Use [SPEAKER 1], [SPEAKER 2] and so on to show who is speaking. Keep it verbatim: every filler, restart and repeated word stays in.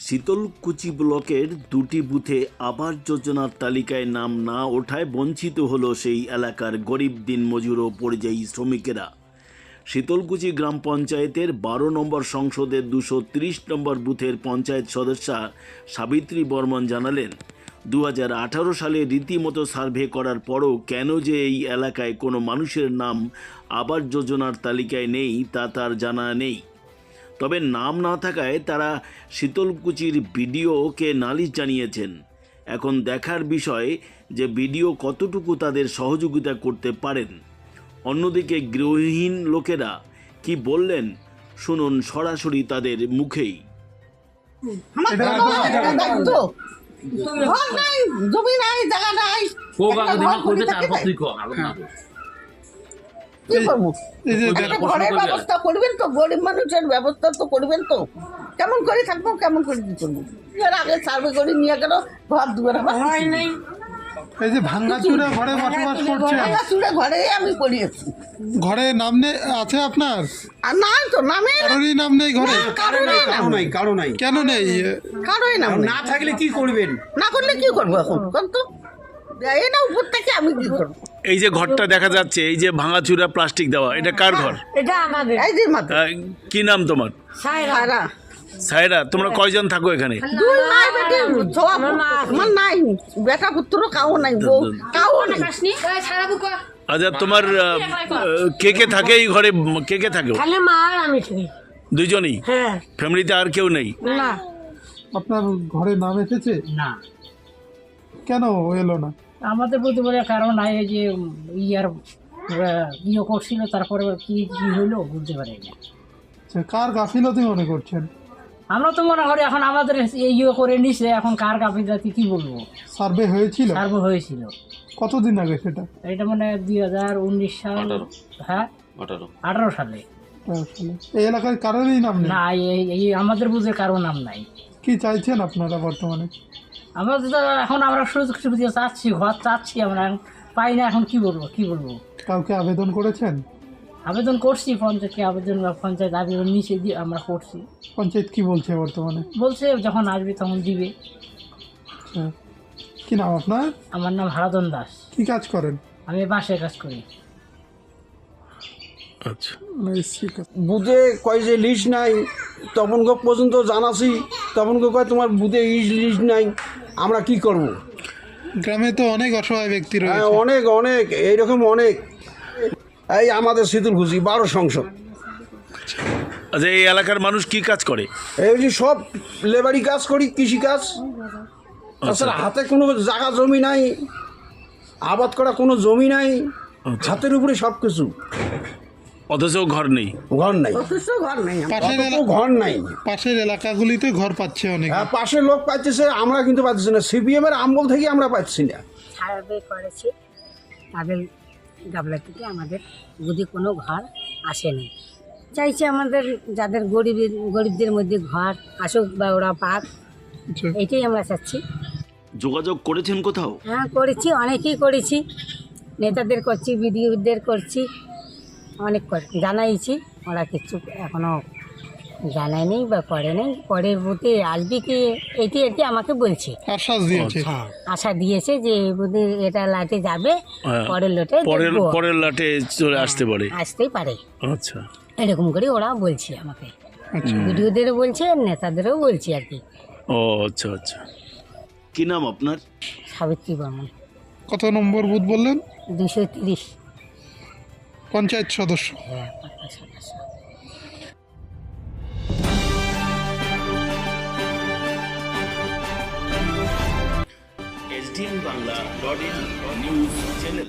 [SPEAKER 1] শীতলকুচি ব্লকের দুটি বুথে আবাস যোজনার তালিকায় নাম না ওঠায় বঞ্চিত হলো সেই এলাকার গরিব দিনমজুর ও পরিযায়ী শ্রমিকেরা। শীতলকুচি গ্রাম পঞ্চায়েতের বারো নম্বর সংসদের দুশো তিরিশ নম্বর বুথের পঞ্চায়েত সদস্যা সাবিত্রী বর্মন জানালেন, দু হাজার আঠারো সালে রীতিমতো সার্ভে করার পরও কেন যে এই এলাকায় কোনো মানুষের নাম আবাস যোজনার তালিকায় নেই তা তার জানা নেই। তবে নাম না থাকায় তারা শীতলকুচির বিডিওকে নালিশ জানিয়েছেন। এখন দেখার বিষয় যে বিডিও কতটুকু তাদের সহযোগিতা করতে পারেন। অন্যদিকে গৃহহীন লোকেরা কি বললেন শুনুন সরাসরি তাদের মুখেই।
[SPEAKER 2] ব্যবস্থা করবেন তো, গরিব মানুষের ব্যবস্থা তো করবেন তো। কেমন করে থাকবো, কেমন করে কি করবো? আগে সার্ভে করে নিয়ে গেল, ঘর দুয়ার হয় নাই।
[SPEAKER 3] এই যে ভাঙাচুরা ঘরে বসবাস করছে,
[SPEAKER 2] ভাঙাচুরা ঘরে আমি পড়িয়েছি।
[SPEAKER 3] ঘরে নাম নেই আছে আপনার?
[SPEAKER 2] আর নাই তো, নামে
[SPEAKER 3] কারোরই নাম নেই ঘরে?
[SPEAKER 4] কারো নাই, কারো নাই, কারো নাই।
[SPEAKER 3] কেন নেই?
[SPEAKER 2] কারোই নাম
[SPEAKER 4] না থাকলে কি করবেন?
[SPEAKER 2] না করলে কি করবো এখন? তো এটা উপর থেকে আমি কি করবো?
[SPEAKER 1] এই যে ঘরটা দেখা যাচ্ছে, এই যে ভাঙাচুরা প্লাস্টিক দেওয়া, এটা কার ঘর?
[SPEAKER 2] এটা আমাদের। এই যে মাত্র
[SPEAKER 1] আহ, কি নাম তোমার?
[SPEAKER 2] সায়রা।
[SPEAKER 1] সায়রা, তোমরা কয়জন থাকো এখানে?
[SPEAKER 2] দুই নাই বেটি, আমার নাই বেটা পুত্র, কাউ নাই, বউ কাউ নাই।
[SPEAKER 1] আচ্ছা, তোমার আহ, কে কে থাকে এই ঘরে? কে কে থাকে?
[SPEAKER 5] খালি মা আর আমি থাকি।
[SPEAKER 1] দুজনই?
[SPEAKER 5] হ্যাঁ।
[SPEAKER 1] ফ্যামিলিতে আর কেউ নেই?
[SPEAKER 5] না।
[SPEAKER 3] আপনার ঘরে নাম এসেছে?
[SPEAKER 5] না।
[SPEAKER 3] কেন এলো না?
[SPEAKER 5] আমাদের প্রতি বলে কারণ নাই, এই যে ইয়ার ইয়ে করছিল, তারপরে কি কি হইলো বুঝতে পারি না।
[SPEAKER 3] আচ্ছা, কার গাফিলতি মনে করছেন?
[SPEAKER 5] আমরা তো মনে করি এখন আমাদের ইয়ে করে নিছে, এখন কার গাফিলতি কি বলবো।
[SPEAKER 3] সার্ভে হয়েছিল?
[SPEAKER 5] সার্ভে হয়েছিল।
[SPEAKER 3] কতদিন আগে সেটা?
[SPEAKER 5] এটা মানে দুই হাজার উনিশ সাল। হ্যাঁ, আঠারো সালে।
[SPEAKER 3] আসলে এই এলাকায় কারোরই নাম নেই?
[SPEAKER 5] না, এই এই আমাদের বুঝে কারো নাম নাই।
[SPEAKER 3] কি চাইছেন আপনারা বর্তমানে?
[SPEAKER 5] আমাদের তো এখন আমরা সুযোগ সুবিধা চাচ্ছি, ঘর চাচ্ছি, আমরা পাই না, এখন কি বলবো কি বলবো।
[SPEAKER 3] কাউকে আবেদন করেছেন?
[SPEAKER 5] আবেদন করছি পঞ্চায়েতকে, আবেদন পঞ্চায়েত আবেদন নিচে দিয়ে আমরা করছি।
[SPEAKER 3] পঞ্চায়েত কি বলছে বর্তমানে?
[SPEAKER 5] বলছে যখন আসবে তখন দিবে।
[SPEAKER 3] আচ্ছা, কি নাম আপনার?
[SPEAKER 5] আমার নাম হারাধন দাস।
[SPEAKER 3] কি কাজ করেন?
[SPEAKER 5] আমি বাসের কাজ করি।
[SPEAKER 1] আচ্ছা,
[SPEAKER 4] বুথে কয় যে লিস্ট নাই, তখন পর্যন্ত জানাছি, তখন কয় তোমার বুথে লিস্ট নাই, আমরা কি করব?
[SPEAKER 3] গ্রামে তো অনেক অসহায় ব্যক্তি
[SPEAKER 4] হ্যাঁ,
[SPEAKER 3] রয়েছে।
[SPEAKER 4] অনেক অনেক এইরকম অনেক। এই আমাদের শীতলকুচি বারো সংসদ।
[SPEAKER 1] আচ্ছা, এই এলাকার মানুষ কি কাজ করে?
[SPEAKER 4] এই যে সব লেবারি কাজ করি, কৃষি কাজ। তাছাড়া হাতে কোনো জায়গা জমি নাই, আবাদ করা কোনো জমি নাই, হাতের উপরে সব কিছু,
[SPEAKER 1] অথচ ঘর নেই।
[SPEAKER 4] ঘর নাই,
[SPEAKER 2] অথচ ঘর নেই।
[SPEAKER 3] পাশের
[SPEAKER 4] অত
[SPEAKER 3] এলা-
[SPEAKER 4] ঘর নাই।
[SPEAKER 3] পাশের এলাকাগুলিতে ঘর পাচ্ছে অনেক।
[SPEAKER 4] হ্যাঁ, পাশের লোক পাচ্ছে, আমরা কিন্তু পাচ্ছি না। সিপিএম এর আমল থেকে আমরা পাচ্ছি না।
[SPEAKER 6] সার্ভে করেছে, তাদের গাবলা থেকে আমাদের যদি কোনো ঘর আসেনি। চাইছে আমাদের যাদের গরিব গরিবদের মধ্যে ঘর আসুক বা ওরা পাক,
[SPEAKER 3] আচ্ছা,
[SPEAKER 6] এটাই আমরা চাচ্ছি।
[SPEAKER 1] যোগাযোগ করেছেন কোথাও?
[SPEAKER 6] হ্যাঁ, করেছি, অনেকেই করেছি, নেতাদের করছি, বিডিওদের করছি, অনেক করে জানাইছি। ওরা কিছু এখনও জানায়নি বা করে নেই। পরের বুথে আসবে কি এটি এটি আমাকে বলছে,
[SPEAKER 3] আশ্বাস দিয়েছে।
[SPEAKER 6] হ্যাঁ আশা দিয়েছে যে বুধে এটা লাটে যাবে,
[SPEAKER 1] হ্যাঁ,
[SPEAKER 6] পরের লোটে
[SPEAKER 1] পরের
[SPEAKER 6] দেখবো।
[SPEAKER 1] পরের লাটে চলে আসতে পারে।
[SPEAKER 6] আসতেই পারে,
[SPEAKER 1] আচ্ছা,
[SPEAKER 6] এরকম করে ওরা বলছে আমাকে।
[SPEAKER 3] আচ্ছা,
[SPEAKER 6] বিডিওদেরও বলছে, নেতাদেরও বলছে আর কি।
[SPEAKER 1] ও আচ্ছা আচ্ছা। কি নাম আপনার?
[SPEAKER 6] সাবিত্রী বর্মন।
[SPEAKER 3] কত নম্বর বুথ বললেন?
[SPEAKER 6] দুশো তিরিশ।
[SPEAKER 3] পঞ্চায়েত সদস্য।
[SPEAKER 6] হ্যাঁ, পঞ্চাশ সদস্য।
[SPEAKER 1] SDN Bangla dot in news channel.